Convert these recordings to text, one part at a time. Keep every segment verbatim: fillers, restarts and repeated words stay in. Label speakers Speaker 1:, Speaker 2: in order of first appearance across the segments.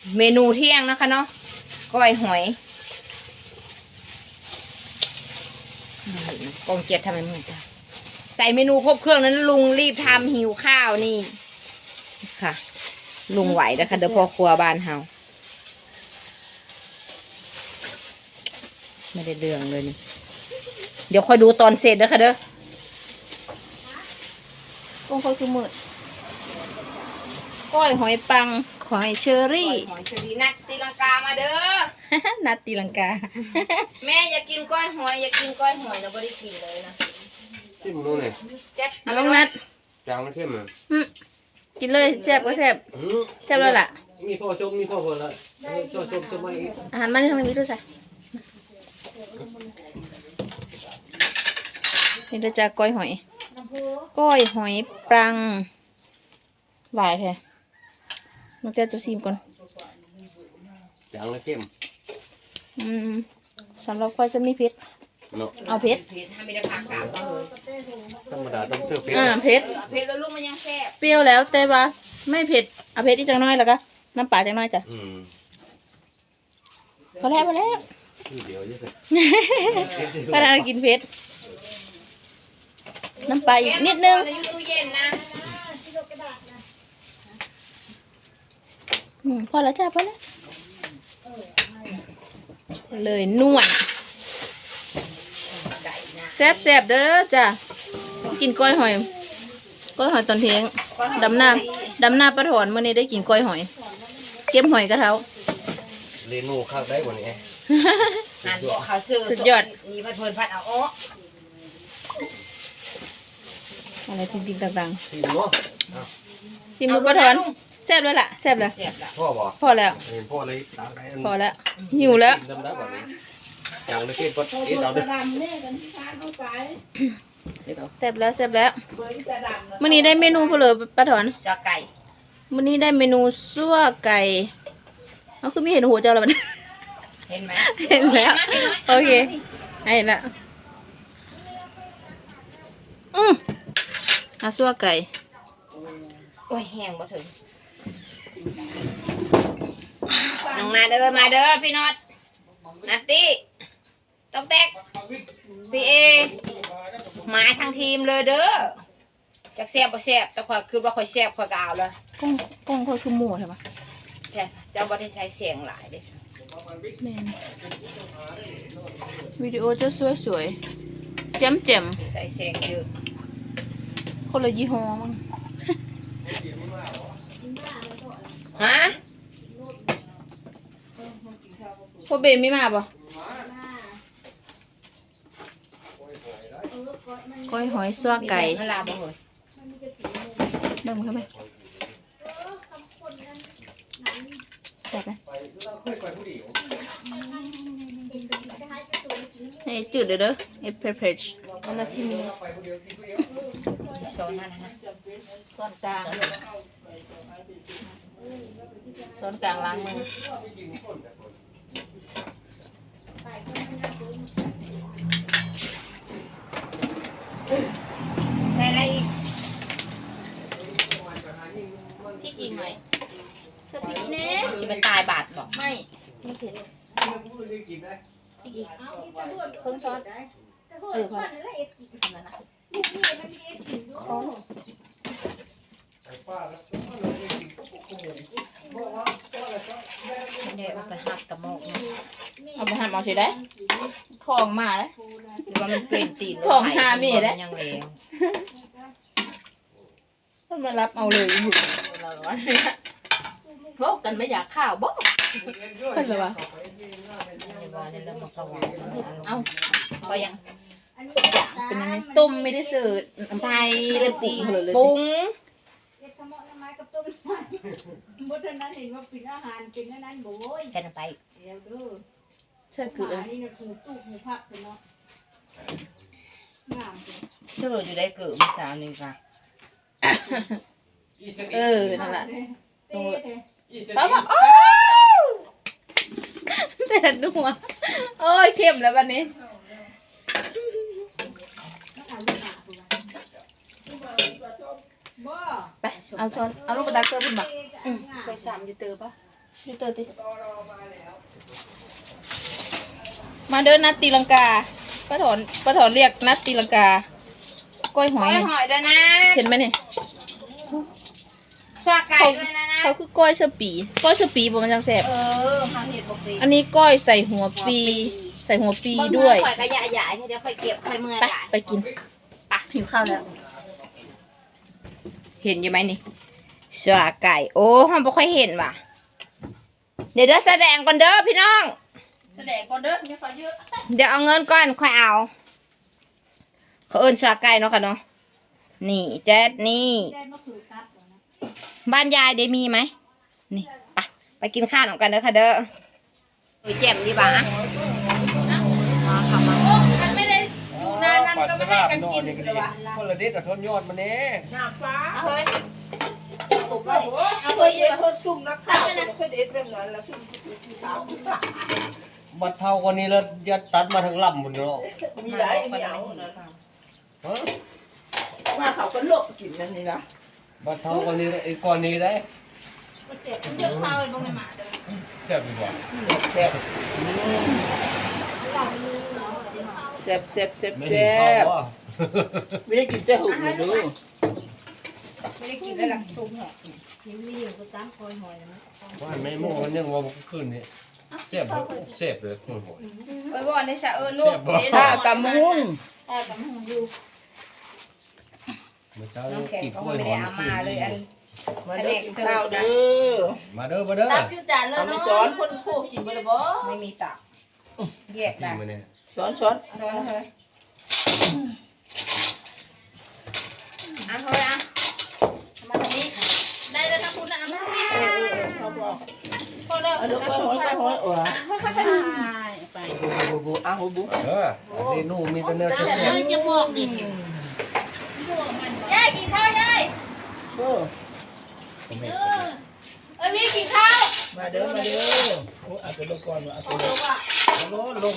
Speaker 1: เมนูเที่ยงนะคะเนาะก้อยหอยกองเกียรติทำไมมึงจ้ะใส่เมนูครบเครื่องนั้นลุงรีบทำหิวข้าวนี่ค่ะลุงไหวนะคะเดี๋ยวพ่อครัวบ้านเฮาไม่ได้เรื่องเลยนี่เดี๋ยวคอยดูตอนเสร็จนะคะเด้อก้องคอยคือมืดก้อยหอยปังหอยเชอรี่หอยเชอรี่นัดตีลังกามาเด้อ นัดตีลังกา แม่อยากกินก้อยหอยอยากกินก้อยหอยเราไม่ได้กินเลยนะ
Speaker 2: ชิมดูหน่อย
Speaker 1: แจ๊บเอาลงนัด
Speaker 2: จางมันเข้มอ่ะ
Speaker 1: กินเลยแซ่บก็แซ่บแซ่บแล้วล่ะ
Speaker 2: มีพ่อชมมีพ่อคนละพ่อชมชมมาอีก
Speaker 1: อาหารมันทางนี้ด้วยใช่นี่เราจะก้อยหอยก้อยหอยปรังหลายแท้น้องเจ้าจะซีมก่อน
Speaker 2: จางแล้วเข้ม
Speaker 1: อืมสำหรับค่อยจะมีเผ็ดเอาเผ็ดทำไม่ได้ผักกาดเลย
Speaker 2: ธรรมดาต้องเสิร์ฟเผ็ด
Speaker 1: อ่าเผ็ดเผ็ดแล้วลูกมันยังแซ่บเปรี้ยวแล้วแต่ว่าไม่เผ็ดเอาเผ็ดอีกจังน้อยแล้วก็น้ำปลาจังน้อยจ้ะพอแล้วพอแล้ว
Speaker 2: เดี๋ยวจะเสร็จ
Speaker 1: พอแล้วกินเผ็ดน้ำปลาอีกนิดนึงพอแล้วจ้ะพอแล้วเลยนวดแซ่บแซ่บเด้อจ้ะกินก้อยหอยก้อยหอยตอนเที่ยงดำหน้าดำหน้าปลาถอนเมื่อนี้ได้กินก้อยหอยเก็บหอยกระเท้า
Speaker 2: เรนูข้าวได้กว่านี้
Speaker 1: หันบอกเขาซื้อสุดยอดมีพัดเพลินพัดเอาอ้ออะไรจริงๆต่างๆ
Speaker 2: ชิมดู
Speaker 1: ชิมดูปลาถอนแซ่บแล้วล่ะแซ่บแล้ว
Speaker 2: พ่อบอก
Speaker 1: พอแล้ว
Speaker 2: พ่อเลย
Speaker 1: พอแล้วหิวแล้ว
Speaker 2: จางเลยเข้มก็เอ๊ะเราด้วย
Speaker 1: แซ่บแล้วแซ่บแล้วมื้อนี้ได้เมนูเพลอปลาถอนซัวไก่มื้อนี้ได้เมนูซัวไก่เอาคือไม่เห็นหัวเจ้าแล้วมันเห็นไหมเห็นแล้วโอเคเห็นแล้วอืออาซัวไก่โอ้ยแห้งบ่ถึงน้องมาเด้อมาเด้อพี่น็อตนัตตี้ต้องแตกพี่เอมาทางทีมเลยเด้อจากแซ่บบ่แซ่บแต่ข่อยคือว่าข่อยแซ่บข่อยก็เอาเลยก้องก้องข่อยคือหมูใช่ไหมแซ่บเจ้าบ่ได้ใช้เสียงหลายเด้แม่นวิดีโอจะสวยๆแจ่มๆใส่เสียงเยอะคนละยี่ห้อมั้งฮะพ่อเบมไม่มาป่ะก้อยหอยซัวไก่เวลาบ่เหรอเบิ่งเข้าไปแซ่บไหมเฮ้ยจืดเด้อเด้อเอฟเพรชเอามาซิมช้อนนั่นนะช้อนกลางช้อนกลางล้างมือใส่อะไรอีกพริกอีกหน่อยใส่พริกอีเน่ชิมันตายบาดบอกไม่ไม่เผ็ดพริกอีกเพิ่งช้อนเออพอทำแล้วนะของเดี๋ยวเอาไปหักตะโมกเอาไปหักเอาสิได้ทองมาเลยหรือว่ามันเป็นตีนทองหามีได้ยังเลวมันมารับเอาเลยอยู่เราว่าโลกกันไม่อยากข้าวบ้องเป็นไรวะเอาพอยังเป็นยังไงต้มไม่ได้เสิร์ฟใส่เลยปรุงเลยปรุง
Speaker 3: บ่ทันนั้นเห็นว่าเป็นอาหารเป็นนั้นโว้ย
Speaker 1: ใส่น้ำไป
Speaker 3: เดี๋ยวเด้อ
Speaker 1: ใส่เกลือ
Speaker 3: นี่น่ะคือตู้หูผักเนาะงาม
Speaker 1: เชื่ออยู่ได้เกลือมีสาวนึงค่ะเออนั่นแหละป้าบอกโอ้แต่ดูหัวโอ้ยเข้มแล้ววันนี้ไปเอาช้อนเอาลูกกระดาษเกลือขึ้นมาไปสามจะเตอปะ
Speaker 4: ยูเตอร์ติมาเดินนัดตีลังกาป้าถอนป้าถอนเรียกนัดตีลังกาก้อยห
Speaker 1: ห
Speaker 4: อ
Speaker 1: อย ยหอยด้วยนะ
Speaker 4: เห็นไหมเนี่ย
Speaker 1: ชาไก่ด้วยนะนะ
Speaker 4: เขาคือก้อยเสปีก้อยเสปีบ่มันจังแซ่บ
Speaker 1: เออข้าวเห็ดปกติ
Speaker 4: อันนี้ก้อยใส่หัวปี ใส่หัวปีด้วย
Speaker 1: ข่อยกระยะใหญ่เดี๋ยวข่อยเก็บข่อยเมื่อ
Speaker 4: ไป
Speaker 1: ใหญ่
Speaker 4: ไปกินปะหิวข้าวแล้ว
Speaker 1: เห็นอยู่ไหมนี่ชาไก่โอ้ห้องบ่ค่อยเห็นว่ะเดี๋ยวเด้อแสดงก่อนเด้อพี่น้อง
Speaker 4: แสดงก่อนเด้ออย่าฟ้าเยอะ
Speaker 1: เดี๋ยวเอาเงินก่อนค่อยเอา เขาเอิ้นชาไก่เนาะค่ะเนาะนี่แจ๊ดนี่
Speaker 3: ได้มะขือครับเหรอนะ
Speaker 1: บ้านยายได้มีไหมนี่ไปไปกินข้าวของกันเด้อค่ะเด้อโอ้ยแจ่มดีบ่ามาค่ะมา
Speaker 4: มันไม่ได้อยู่นานนั้นก็ไม่ให้กันกินเลยวะ
Speaker 2: คนละเด็ดแต่ทนยอดมันนี่
Speaker 4: หน้าฟ้า
Speaker 1: เอาเฮ้ย
Speaker 4: เอาไปเยอะคนจุ่มนักข่าวไม่เคยเด็ดแบบนั้นแล้วจุ่มที่สาว
Speaker 2: บัดเท่ากันนี้แล้วยัดตัดมาทั้งลำหมดเนาะ
Speaker 4: มีหลายเหนียวนะ
Speaker 2: ฮะ
Speaker 4: ว่าเขาก็โลกกินนั่นนี่ละ
Speaker 2: บัดเท่ากันนี้ไอ้ก้อนนี้ได้
Speaker 4: มันเสียมันเยอะข้าวเป็นบางในหมาเลย
Speaker 2: แซ่บดีกว่า
Speaker 4: แซ่บแซ่บแซ่บแซ่บ
Speaker 2: ไม่
Speaker 4: แซ่
Speaker 2: เห็นเขา
Speaker 4: บ
Speaker 2: ว่า
Speaker 4: ไม่ได้กินเจ้าหุ่นเลยดู
Speaker 1: ไม่ได้กินได้หรอกชุบเหรอ
Speaker 3: ยังมีอยู่ก็ตั้งคอยหอยนะ
Speaker 2: ว่าไม่โม่มันยังว่าขึ้นนี่แซ่บเลยแซ่บเลยโอ้โห
Speaker 1: เอ้ยบ่ได้สะเอิญลูก
Speaker 4: ถ้ากำหุ้ง
Speaker 3: ถ้ากำลังอยู่
Speaker 2: เมื่อเช้า
Speaker 1: น้องแขก
Speaker 2: กิน
Speaker 1: ก็
Speaker 2: กล้วย
Speaker 1: ไม่
Speaker 2: ห
Speaker 1: ได้
Speaker 2: อม
Speaker 1: เอา
Speaker 2: ขึ้น
Speaker 1: มาเลยอัน
Speaker 4: มาเด้อกินข้าวเด้อ
Speaker 2: มาเด้อมาเด้อ
Speaker 3: ตับอยู่จานเลย
Speaker 4: เอาไม่
Speaker 3: เนาะ
Speaker 4: สอนคนคู่กินบ่ได้บ่
Speaker 1: ไม่มีตับแยก
Speaker 2: กิ
Speaker 1: ได้
Speaker 2: นมาเนี่ย
Speaker 4: สอนสอน
Speaker 1: ซ้อนเลยอ่ะเฮ้ยอ่ะมาตรงนี้
Speaker 3: ได้แล้วนะคุณนะมา
Speaker 4: เออเออเขาบอก
Speaker 3: พอแล้ว
Speaker 4: เอาลูกไปหอยไปหอยเออ
Speaker 3: ไป
Speaker 4: บูบูบูอ้าวบู
Speaker 2: เออเมนูมีแต่เนื้อ
Speaker 3: เดี๋
Speaker 2: แซ่
Speaker 3: ยว
Speaker 2: บ
Speaker 3: จะบอกดิยายกินข้าวยาย
Speaker 4: เออ
Speaker 3: เออเอ้ยพี่กินข้าว
Speaker 4: มาเด้อมาเด้อโอ้เอาไปลงก่อนเอาไป
Speaker 3: โอ้
Speaker 4: ล
Speaker 3: โห
Speaker 4: ง
Speaker 3: ว่ะ
Speaker 2: ๆลงลง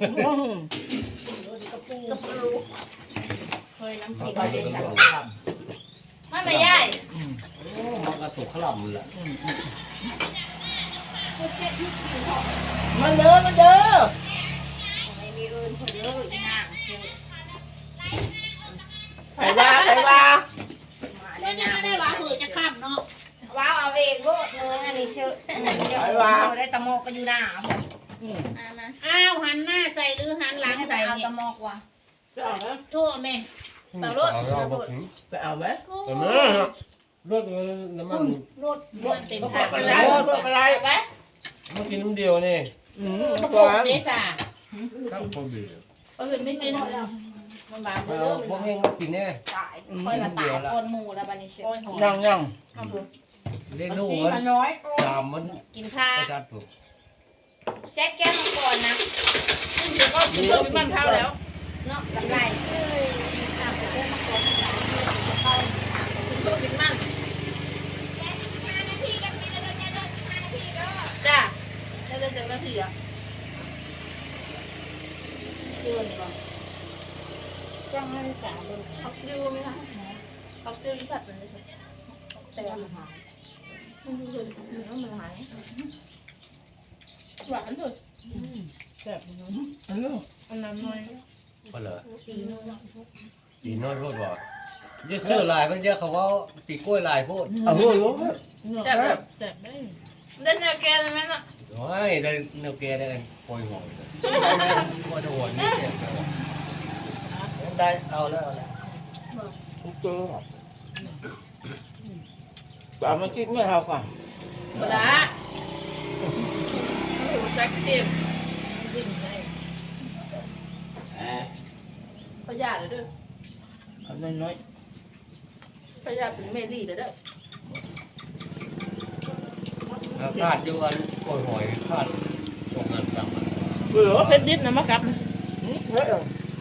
Speaker 1: เฮ้ยน้ำพ
Speaker 2: เอา
Speaker 1: ริก
Speaker 2: ไป
Speaker 1: ไม่
Speaker 2: เดี๋
Speaker 1: ได้
Speaker 2: ยว
Speaker 1: ใส่
Speaker 2: เราท
Speaker 3: ไม่ไม่ยาย
Speaker 2: ำมันกระตุกขลับเลย
Speaker 4: มาเด้อมาเด้อ
Speaker 1: ไม่มีเอิญเพื่อเด้ออีนางชื่อ
Speaker 4: ใครว่าใครว่า
Speaker 1: มา
Speaker 3: ได้
Speaker 1: ได้
Speaker 3: ยั
Speaker 1: นาง ง
Speaker 3: ได้หวานหือจะข้ามเนาะ
Speaker 1: ว้าวเอาเองลูกเนื้ออันนี้ชื่ออันนี้เดี๋ยวเอาได้ตะโมกก็อยู่หน้าผม
Speaker 3: อ่ามาอ้าวหันหน้าใส่หรือหันหลัง
Speaker 1: ให้ไป
Speaker 3: ใส่
Speaker 1: เอา
Speaker 3: เนี่ย
Speaker 1: ตะโมกว่ะ
Speaker 4: ไปเอาไหม
Speaker 3: โทษแม่
Speaker 2: เอาเราบอกถึง
Speaker 4: ไปเอาไหม
Speaker 2: แต่เนื้อรสน้ำมัน
Speaker 3: รถมันเต็ม
Speaker 4: พว
Speaker 3: ถั
Speaker 4: ก
Speaker 3: ง
Speaker 4: อะไร
Speaker 3: แล้ว
Speaker 4: พวกอะไร
Speaker 3: ไป
Speaker 2: มากินน้ำเดียวนี่
Speaker 4: อืม
Speaker 3: กระ
Speaker 4: ก
Speaker 3: ปุ
Speaker 4: วาก ง
Speaker 3: เดซ่า
Speaker 2: ครับคนเดียว
Speaker 3: เออไม่กินมันบาง
Speaker 2: เอา
Speaker 3: เด้อ
Speaker 2: พวกเองก็กินแน่
Speaker 1: ตายค่อยมาตายคนหมูแล้วบันนี้เชื่อ
Speaker 3: โอ้ยหอม
Speaker 4: ยังยัง
Speaker 2: เล่นนู่นมัน
Speaker 4: น้อย
Speaker 2: สามมัน
Speaker 1: กินข้าว
Speaker 2: กระจัดถูก
Speaker 1: แจ็คแก้วมังกรนะ
Speaker 3: ก็กินเพิ่มเป็นมันเท่าแล้ว
Speaker 1: เนาะกำไร
Speaker 3: เพิ่มเป็นมันจ้าจะเดินจากนาทีอ่ะเดือนก่อนจ้างให้สามเดือนพักดิวไหมคะพักดิวที่ผัดมันเลยแต่มันหายมันดูเลยมันหายหวานสุดแซ่บเนาะ
Speaker 4: อันนู้น
Speaker 3: อันนั้นน้อย
Speaker 2: ก็เลย
Speaker 3: ปีนึง
Speaker 2: ปีน้อยโพดบ่เยอะเสื้อลายมันเยอะเขาว่าปีกล้วยลายโพด
Speaker 4: เอาหัวลง
Speaker 3: แซ่บแบบแซ่บได้เล่นแนวแกเลยไหมน่ะ
Speaker 2: โอ้ยได้เนื้อแกได้โปรยหอยว่าจะหวนนี่เจ็บได้เอาแล้วเอาแล้ว
Speaker 4: ทุกตัวปลามาคิดไม่เท่ากัน
Speaker 3: เวลาแซ่บเต็มพยาธิเด้อ
Speaker 4: เอาน้อย
Speaker 3: พยาธิเป็นเมลี่เด้อ
Speaker 2: แล้วคาดอยู่อันโปรยหอยคาดส่งงานสั่งมัน
Speaker 4: ๆเบื่อ
Speaker 3: เพชรดิบนะมะครับ
Speaker 4: เฮ้ย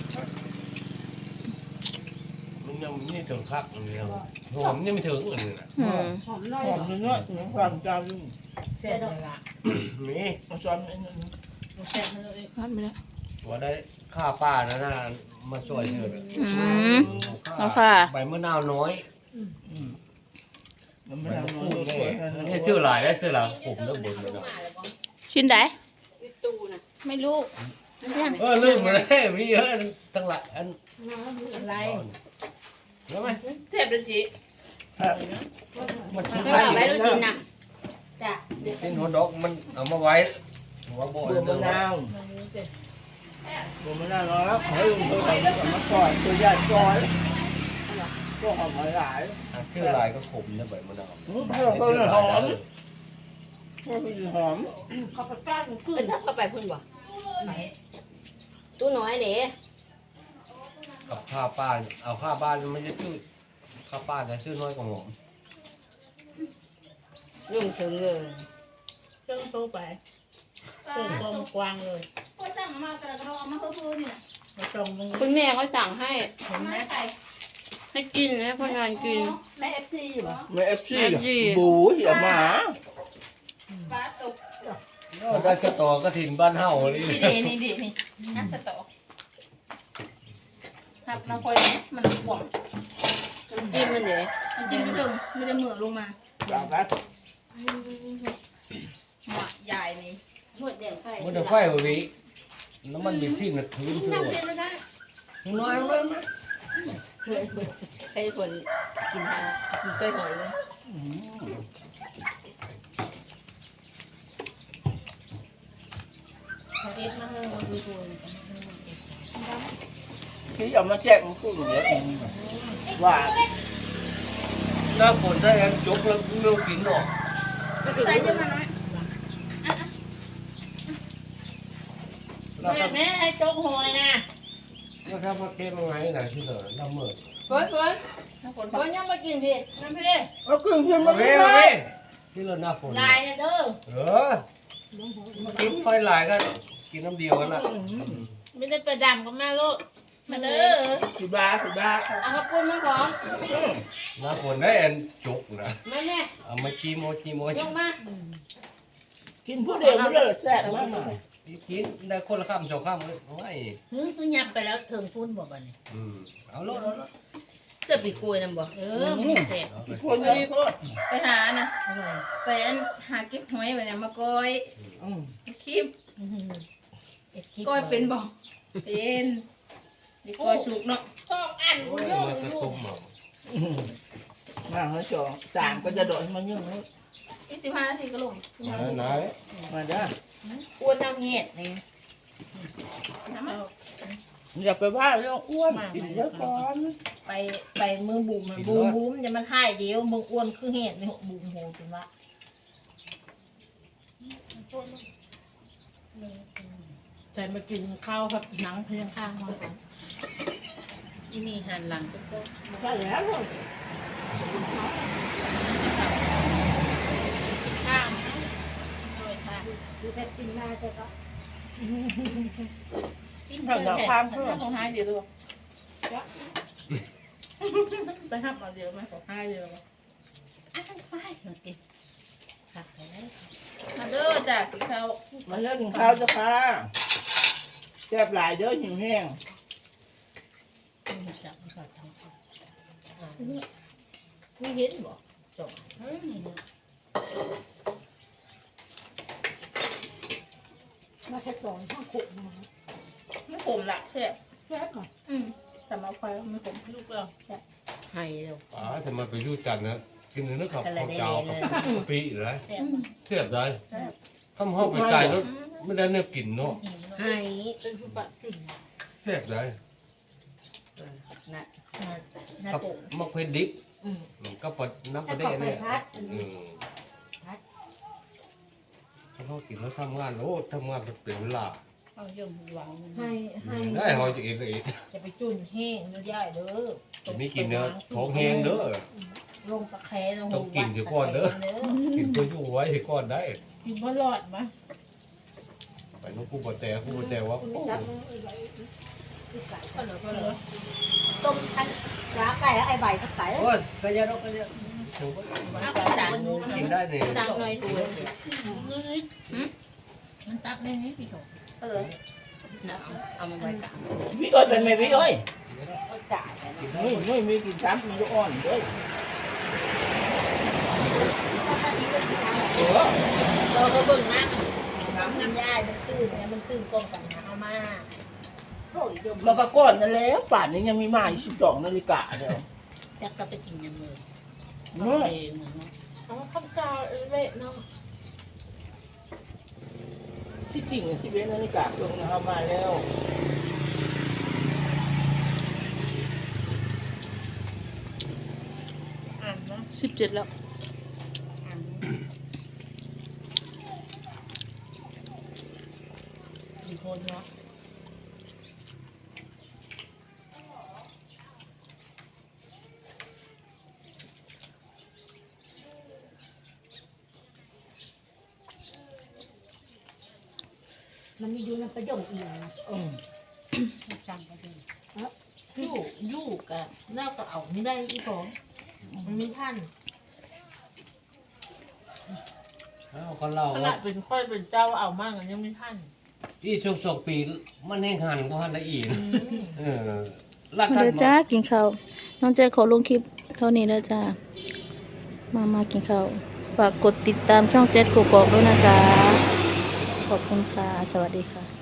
Speaker 2: มันยังไม่ถึงคักอันเดียวหอมยังไม่ถึงอันนี้นะ
Speaker 4: หอมหอมน้อยหอมน้อยๆความจำยุ่ง
Speaker 3: แซ่บเลยล่ะ
Speaker 2: นี่
Speaker 4: มาซ้อนไอ้นั่น
Speaker 3: แซ่บเลย
Speaker 4: พันไปแล้ว
Speaker 2: ว่าได้ข้าป้านะนะมาช่วยเธอ
Speaker 4: เอาค่ะ
Speaker 2: ใบมะนาวน้อย
Speaker 5: มันไม่
Speaker 2: มัน
Speaker 5: ทำ
Speaker 2: พู
Speaker 5: นอน
Speaker 2: ด
Speaker 5: ส
Speaker 2: เล
Speaker 5: วย
Speaker 2: ยนี่ชื่อหลายได้ชื่อหลายผมแล้วบนเลย
Speaker 4: ชิ้นไหน
Speaker 3: ตู้นะ
Speaker 4: ไม่รู้ยัง
Speaker 2: เออลืมไปเลยมีเยอะทั้งหลายอัน
Speaker 3: อะไร
Speaker 2: เห็นไหม
Speaker 4: เสียบเลยจี
Speaker 2: มันชุบ
Speaker 1: ก็เอาไว้ดูสินะ
Speaker 3: จ้ะ
Speaker 2: กินหัวดอกมันเอามาไว้หัวโบ
Speaker 5: บัวมะนาวบัวมะนาวแล้วเฮ้ยเฮ้ยมาก่อนตัวใหญ่ก่อนก็หอมหลาย
Speaker 2: ชื่อหลายก็ขมนะใบมะนาว
Speaker 5: เพิ่มเพิ่มหอมเพิ่มหอม
Speaker 3: เขาไปป้าหนูขึ้น
Speaker 1: ไปซับเข้าไปพุ่นบ่ตู้น้อยเด้
Speaker 2: กับข้าวป้าเอาข้าวบ้านไม่ใช่ชื่อข้าวป้าแต่ชื่อน้อยกว่าผม
Speaker 1: ยุ่งถึงเลย
Speaker 3: เครื่องโตไปเครื่องกลมกวางเลย
Speaker 4: ก็สั่งมากระดองมาเพิ่มเนี่ย
Speaker 3: มาตรงมึง
Speaker 1: คุณแม่เขาสั่งให้
Speaker 3: เห็นไหม
Speaker 1: ให้กินให้พนักงานกิน
Speaker 3: แม่เอฟซีอยู่ปะ
Speaker 5: ไม่เอฟซีบูอย่ามา
Speaker 4: ปลาตก
Speaker 2: ได้สตอกระถินบ้านเฮาเลย
Speaker 4: นี่ดีนี่ดีนี่นักสตอหักน้ำพลอยมันหวง
Speaker 1: น้ำจิ้มมันเด้
Speaker 4: มันจิ้มไม่ถึงไม่ได้เหมือลงมา
Speaker 5: แบบนั้น
Speaker 4: หมอใหญ่นี่
Speaker 1: หมดแดงไฟ
Speaker 2: มันจะไฟหัวนี้น้ำมันเป็นชิ้นนะถือถือ
Speaker 1: น้ำจิ้มไม่ได้
Speaker 2: น้อยเลยมั้ย
Speaker 1: ให้ฝนกินทางกินเต้ยหอยเลย
Speaker 3: เขาเอฟมาให้เราดูตัว
Speaker 5: ที่เอามาแจ้งพูดอย่างนี้ว่า
Speaker 2: หน้าฝนได้กันจกแล้วเลือกกินหรอก
Speaker 4: ใส่เยอะมาน้อย
Speaker 2: แล้ว
Speaker 3: แม่
Speaker 2: ถ้า
Speaker 3: แม่ให้โจ๊กหอยนะ
Speaker 2: แล้วถ้ามาเก็บยังไงไหนที่เหลือน้ำมือ
Speaker 1: ฝนฝนฝนยังมากินพี่
Speaker 3: น้ำพี่
Speaker 5: เอาเครื่องเคียง
Speaker 2: มา
Speaker 5: มา
Speaker 2: เว้
Speaker 5: ไม่
Speaker 2: มา
Speaker 5: ได้
Speaker 2: เว้ที่เหลือหน้าฝน
Speaker 3: ลายนะเด้อ
Speaker 2: เออมากินค่อยหลายก็กินน้ำเดียวกันละ
Speaker 3: ไม่ได้ไปดำกับแม่ลูก
Speaker 4: มาเด้อ
Speaker 5: สิบาสิบา
Speaker 3: เอาขอบคุณแม่ขอ
Speaker 2: หน้าฝนได้เอ็นจกนะ
Speaker 3: แม่แม่
Speaker 2: เอามาจีโมจีโม
Speaker 3: ยกมา
Speaker 5: กินผู้เดียวไม่ได้แซ่บมาก
Speaker 2: กินได้คนละข้ามสองข้ามเลยโอ้ย
Speaker 3: ฮึคือยับไปแล้วถึงพุ่นบ่บัดนี้
Speaker 2: อืมเอาโลดเอาโลด
Speaker 1: เสื้อปีกล้วยนำบ่
Speaker 3: เออมันเสพ
Speaker 2: เอาไป
Speaker 5: คนเลยโคตร
Speaker 4: ไปหานะไปอันหาเก็บหอยไปเนี่ยมาก้อยคลิปก้อยเป็นบ่เป็นนี่ก้อยสุกเนาะ
Speaker 3: สองอัน
Speaker 2: โอ้ยมันจะต้มเอา
Speaker 5: มาเขาจองสามก็จะโดดมาเยอะเลย
Speaker 4: อีกสิบห้านาทีก็ลง
Speaker 2: ไหนไหน
Speaker 5: มาได้
Speaker 1: อ้วนน้ำเห็ดนี่
Speaker 4: น้ำมัน
Speaker 5: อย่าไปว่าเรื่องอ้วนกินเยอะก่อน
Speaker 3: ไปไปมือบุ๋มบุ๋มบุ๋มจะมันให้เดียวมึงอ้วนคือเห็ดนี่บุ๋มโหจริงวะแต่มากินข้าวครับหนังเพียงข้างมาก่อนที่นี่หันหลังก็ก็
Speaker 5: ใช่แล้วเลย
Speaker 3: ข้างเลยค่ะดูแต่กินหน้าจะก็
Speaker 4: กินเพื่อนแท้ถ้าของหายเดี๋ยวดูไปทับเอาเดี๋ยวมาของหายเดี๋ยวอ่ะไปมากิน
Speaker 3: ค่ะแล้ว
Speaker 4: มาเด้อจ้ะกินข้าว
Speaker 5: มาเล่นข้าวจะค่ะแซ่บหลายเด้อหิวแห้ง
Speaker 3: จับมันก่อนทำก่อนไม่เห็นบ่จบ
Speaker 6: มาแค่สองข้างขุกนะคะ
Speaker 4: ไม่ขมละแซ่บ
Speaker 6: แซ่บก่อน
Speaker 4: อืมแต่มาไฟไม่ขมลูกเรา
Speaker 1: ให้เร็ว
Speaker 2: อ๋อทำไมไปยุ่งกันนะกินเนื้อกับข้าวเจ้ากับปีเลย
Speaker 3: แซ่บ
Speaker 2: เทียบได้ทำห้องไปไกลแล้วไม่ได้เนื้อกินเนาะ
Speaker 1: ให้
Speaker 6: เป็นผู้ปะสิ่ง
Speaker 2: เทียบได้
Speaker 1: นะ
Speaker 3: หน้า
Speaker 2: กับ
Speaker 3: ตุ่ม
Speaker 2: มะเขือดิบ
Speaker 3: อืม
Speaker 2: ก็ปดน้ำประเดะเนี่ยอืมเขากินแล้วทำงานโอ้ทำงานเป็นเวลา
Speaker 3: เอาเยี่ยมหวัง
Speaker 6: ให้ให้
Speaker 2: ได้หอยจะเองก็เอง
Speaker 3: จะไปจุ่นแห้งเนื้อย่ายเด้อ
Speaker 2: จะไม่กินเนื้อท้องแห้งเด้อ
Speaker 3: ลงตะแคร้ลง
Speaker 2: ต้องกินเดี๋ยวก่อนเด้อ กินตัวอยู่ไว้ให้ก่อนได้
Speaker 3: กินบ่รอดมะ
Speaker 2: ไปน้องกูบอแต่กูบอแต่ว่า
Speaker 6: คุณจับมือไอ้ใบคือไก่
Speaker 3: ก็เหลือก็เหลือ
Speaker 6: ต้มอันสาไก่แล้วไอ้ใบก็ไก่
Speaker 2: โอ้ยกระยาดอกกระยาถึง
Speaker 3: เอาไปจานนึง
Speaker 2: กินได้เนี่ย
Speaker 1: ตักหน่อยตัว
Speaker 3: มันตักได้ไหมพี่โถ
Speaker 4: ก็เลย
Speaker 1: นะเอามาไว้ตัก
Speaker 5: วิโอ้ยเป็นไงวิโอ้ย
Speaker 1: ก็จ่าย
Speaker 5: ไม่ไม่มีกินซ้ำมันก็อ่อนเด้อ
Speaker 2: ม
Speaker 5: เออ
Speaker 6: เราก็เบิ่งน้ำน้ำน้ำยายมันตื้นเนี่ยมันตื้นกลมกันนะเอามาโอ้ยเดี๋ยว
Speaker 5: มันก็ก้อนนั่นแล้วป่านนี้ยังมีมาอีกสิบสองนาฬิกาเดียว
Speaker 4: จักก็ไปกินยังเลย
Speaker 5: เนาะ
Speaker 4: เองเนาะ
Speaker 3: เอาข้าวเจ้าเละเนาะ
Speaker 5: ที่จริงสิบเอ็ดนาฬิกาลงเอามาแล้ว
Speaker 3: อ่านเนาะ
Speaker 4: สิบเจ็ดแล้ว
Speaker 3: อ่านกี่คนเนาะ
Speaker 6: มันมีอยู่ในประโยชน์อีกนะ
Speaker 5: อืม
Speaker 3: จำไปเลยลูกลูกอะน่าก็เอาไม่ได้อีกของมันไม่ทัน
Speaker 2: เอาคนเรา
Speaker 3: ขนาดเป็นค่อยเป็นเจ้าเอามากอะยังไม่ทัน
Speaker 2: อีสุกสกปีมันแห้งหันก็หันได้อีก
Speaker 3: อืม
Speaker 2: เออรัก
Speaker 7: มา
Speaker 2: กัน
Speaker 7: เด้อจ้ากินข้าวน้องแจ๊ขอลงคลิปเท่านี้แล้วจ้ามามากินข้าวฝากกดติดตามช่องแจ๊กกกอกด้วยนะจ๊ะขอบคุณค่ะ สวัสดีค่ะ